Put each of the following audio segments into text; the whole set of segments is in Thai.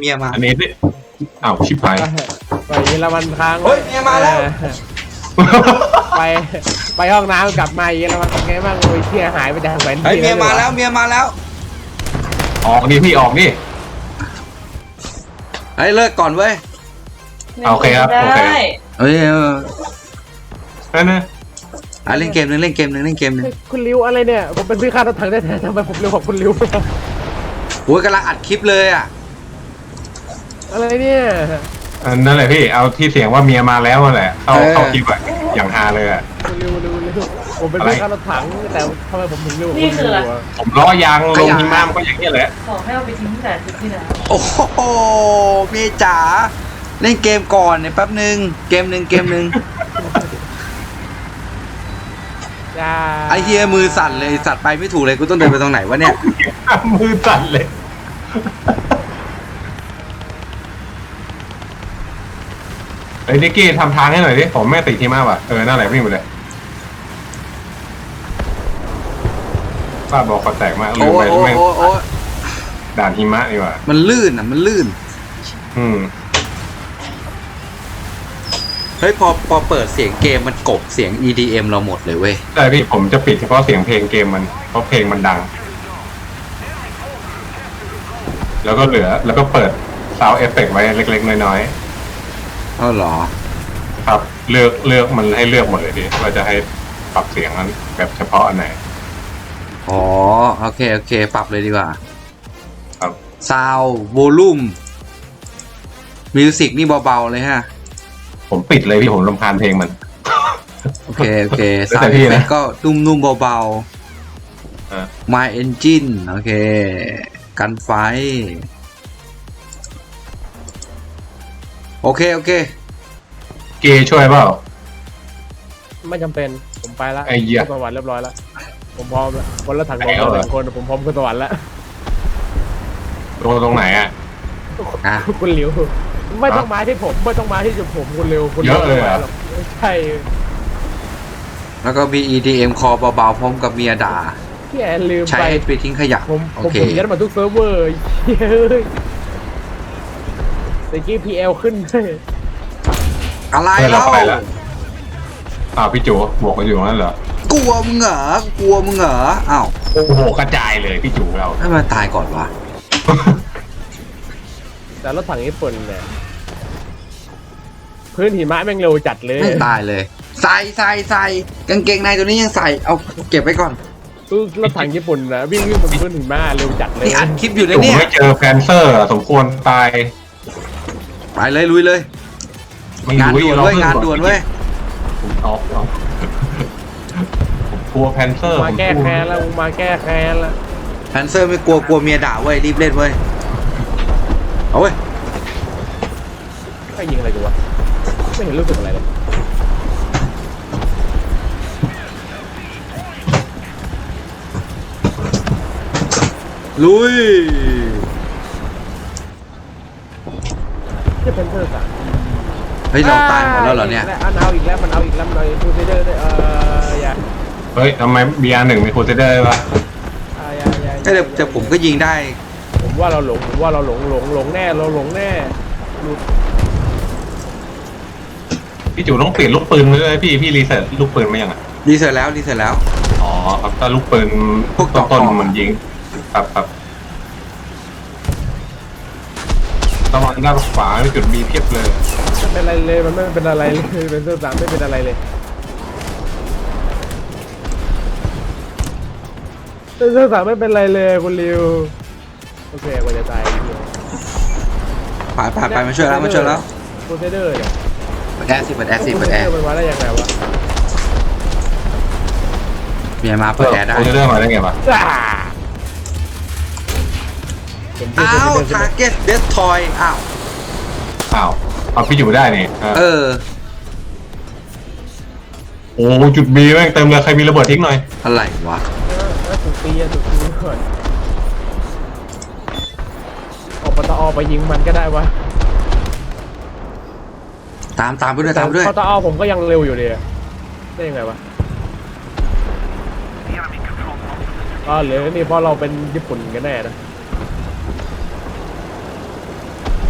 เมียมาอันนี้อ้าวชิบหายไปเยอรมันค้างเฮ้ยเมียมาแล้วไปไปห้องน้ำกลับมาเยอรมันเป็นไงบ้างโอ้ยเที่ยหายไปจากแหวนเฮ้ยเมียมาแล้วเมียมาแล้วออกดิพี่ออกดิเฮ้ยเลิกก่อนเว้ยโอเคครับโอเคเฮ้ยนั่นนะเล่นเกมนึงคุณริวอะไรเนี่ยผมเป็นพี่ข้ารถถังได้แต่ทำไมผมเร็วกว่าคุณริวโอ้ยกำลังอัดคลิปเลยอ่ะอะไรเนี่ยนั่นแหละพี่เอาที่เสียงว่าเมียมาแล้วนั่นแหละเข้าคลิปอะอย่างฮาเลยอะคุณริวผมเป็นพี่ข้ารถถังแต่ทำไมผมถึงริวนี่คืออะไรผมล้อยางลงหิมะมันก็อย่างนี้แหละขอให้เอาไปทิ้งที่ไหนที่ไหนโอ้โหเมียจ๋าเล่นเกมก่อนเนี่ยแป๊บนึงเกมหนึ่งไอ้เฮียมือสั่นเลยสัตว์ไปไม่ถูกเลยกูต้องเดินไปตรงไหนวะเนี่ยมือสั่นเลยไอ้นิกกี้ทำทางให้หน่อยดิผมแม่ติดที่มากว่ะนั่นแหละวิ่งไปเลยป้าบอกคอแตกมากลืมไปแม่งด่านหิมะนี่ว่ะมันลื่นเฮ้ยพอเปิดเสียงเกมมันกบเสียง EDM เราหมดเลยเว้ยใช่พี่ผมจะปิดเฉพาะเสียงเพลงเกมมันเพราะเพลงมันดังแล้วก็เหลือแล้วก็เปิดซาวด์เอฟเฟกต์ไว้เล็กๆน้อยๆอ๋อเหรอครับเลือกมันให้เลือกหมดเลยดิว่าจะให้ปรับเสียงนั้นแบบเฉพาะอันไหนอ๋อโอเคปรับเลยดีกว่าครับซาวด์โวลูมมิวสิกนี่เบาๆเลยฮะผมปิดเลยพี่ผมรำคาญเพลงมันโอเคซาวด์เพลงก็นุ่มๆเบาๆ My Engine โอเคกันไฟโอเคเกย์ช่วยเปล่าไม่จำเป็นผมไปแล้วขึ้นสวรรค์เรียบร้อยแล้วผมพร้อมแล้วคนละถังของเรา1 คนผมพร้อมขึ้นสวรรค์แล้วตรงไหนอ่ะคุณหลิวไม่ต้องมาที่ผมไม่ต้องมาที่จุดผมคุณเร็วคุณเยอะเลยอ่ะใช่แล้วก็มี EDM คอเบาๆพร้อมกับเมียด่าพี่แอนลืมใช้ไปทิ้งขยะผมยัดมาทุกเซิร์ฟเวอร์แต่กี้ PL ขึ้นอะไรเล่าพี่จูบอกกันอยู่นั่นเหรอกลัวมึงเหรออ้าวโอ้โหกระจายเลยพี่จูเราให้มันตายก่อนวะแต่รถถังญี่ปุ่นเนี่ยพื้นหิมะแม่งเร็วจัดเลยไม่ตายเลยใส่กางเกงในตัวนี้ยังใส่เอาเก็บไว้ก่อนรถถังญี่ปุ่นนะวิ่งบนพื้นหิมะเร็วจัดเลยนี่อัดคลิปอยู่ในนี้ไม่เจอแฟนเซอร์สมควรตายไปเลยลุยเลยงานด่วนเว้ยผมกลัวแพนเซอร์มาแก้แค้นแล้วแพนเซอร์ไม่กลัวเมียด่าเว้ยรีบเล่นเว้ยเอาเว้ยใครยิงอะไรกูวะไม่เห็นรู้สึกอะไรเลยลุยจะเป็นเธอสั่งเฮ้ยเราตายหมดแล้วเหรอเนี่ยมันเอาอีกแล้วมันคูเซเดอร์ได้อย่าเฮ้ยทำไม BR1 มีคูเซเดอร์วะแต่ผมก็ยิงได้ผมว่าเราหลงแน่พี่จูต้องเปลี่ยนลูกปืนเลยพี่รีเซ็ตลูกปืนไหมยังอ่ะรีเซ็ตแล้วอ๋อครับถ้าลูกปืนพวกต้นมันยิงครับตะวันด้านขวาจุดมีเพียบเลยไม่เป็นไรเลยมันไม่เป็นอะไรเลยเป็นเสื้อ3ไม่เป็นอะไรเลยเสื้อ3ไม่เป็นไรเลยคุณริวโอเคกว่าจะตายไปมาช่วยแล้วโคเซเดอร์เนี่ยเปิดแอร์มันมาได้ยังไงวะเมียมาเปิดแอร์ได้โคเซเดอร์มาได้ไงวะอ้าว Target Destroy อ้าวเอาพี่อยู่ได้นี่โอ้จุดบีแม่งเต็มเลยใครมีระเบิดทิ้งหน่อยอะไรวะจุดตีก่อนออกปตอไปยิงมันก็ได้วะตามไปด้วยปตอผมก็ยังเร็วอยู่เลยได้ยังไงวะหรือนี่เพราะเราเป็นญี่ปุ่นกันแน่นะ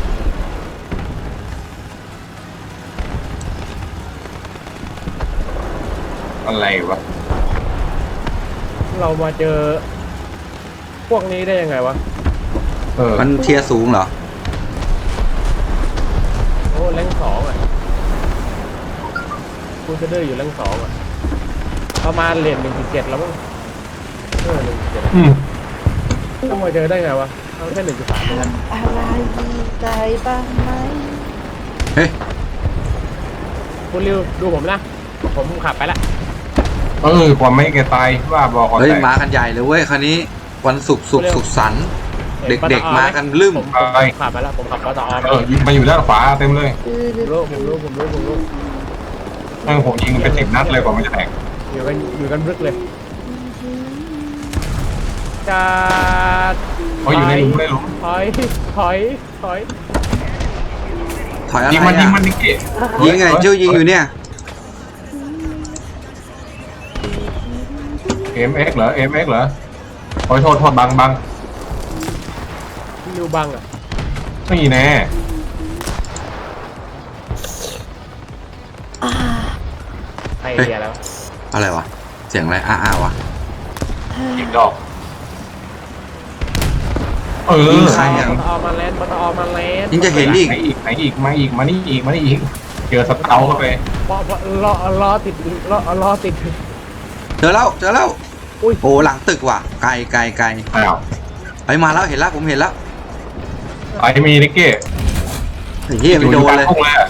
อะไรวะเรามาเจอ พวกนี้ได้ยังไงวะมันเทียร์สูงเหรอโอ้แรงสองอ่ะคูเซเดอร์อยู่แรงสองอ่ะประมาณเหรียญ1.7แล้วมั้ง1.7ต้องมาเจอได้ไงวะเอาแค่1.3เองนะอะไรดีใจบ้างไหมเฮ้ยคุณริวดูผมนะผมขับไปละความไม่แกตายว่าบอกก่อนเฮ้ยแต่มากันใหญ่เลยเว้ยคันนี้วันศุกร์สุขสันต์เด็กๆมากันลืมผมขับไปแล้วผมขับปตอยิงมาอยู่ด้านขวาเต็มเลยผมรู้ผมยิงเป็น10 นัดเลยกว่ามันจะแตกอยู่กันรึกเลยจะอยู่ในหลุมถอยถอยอะไรยิงมันอ่ะนิกเกะยิงไงเจ้ายิงอยู่เนี่ย MX เหรอ MX เหรอโอ้ยโทษบังนิวบังอ่ะไม่แน่ไอเดียแล้วอะไรวะเสียงอะไรอ้าวะยิงดอกยิงใครอ่ะปตอมาแลนด์ยิงจะเห็นอีกไหนอีกมานี่อีกเจอสเตาเข้าไปรอติดเจอแล้วอุ้ยโอ้หลังตึกว่ะไกลอ้าวไปมาแล้วเห็นแล้วผมเห็นแล้วไอ้มีนิกเก้ไอ้เหี้ยไม่โดนเลย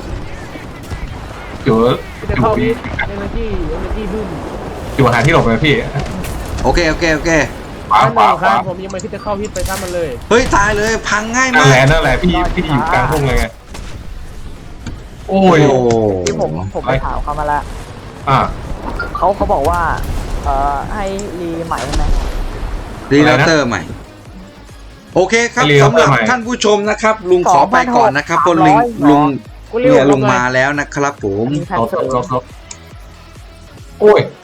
อยู่จะเข้าวิทเอเนอร์จีบึ้มอยู่หาที่หลบเลยพี่โอเคขวาครับผมยังไม่คิดจะเข้าวิทไปซ้ำมันเลยเฮ้ยตายเลยพังง่ายนั่มาน กแหละพี่อยู่กลางทุ่งเลยไงโอ้ยที่ผมไปถามเขามาแล้ว เขาบอกว่าให้รีใหม่ใช่ไหมรีเลเตอร์ใหม่ โอเคครับสำหรับท่านผู้ชมนะครับ ลุงขอไปก่อนนะครับเพราะลุงเนี่ยลุงมาแล้วนะครับผมมีแพ็คเสริมโอ้ย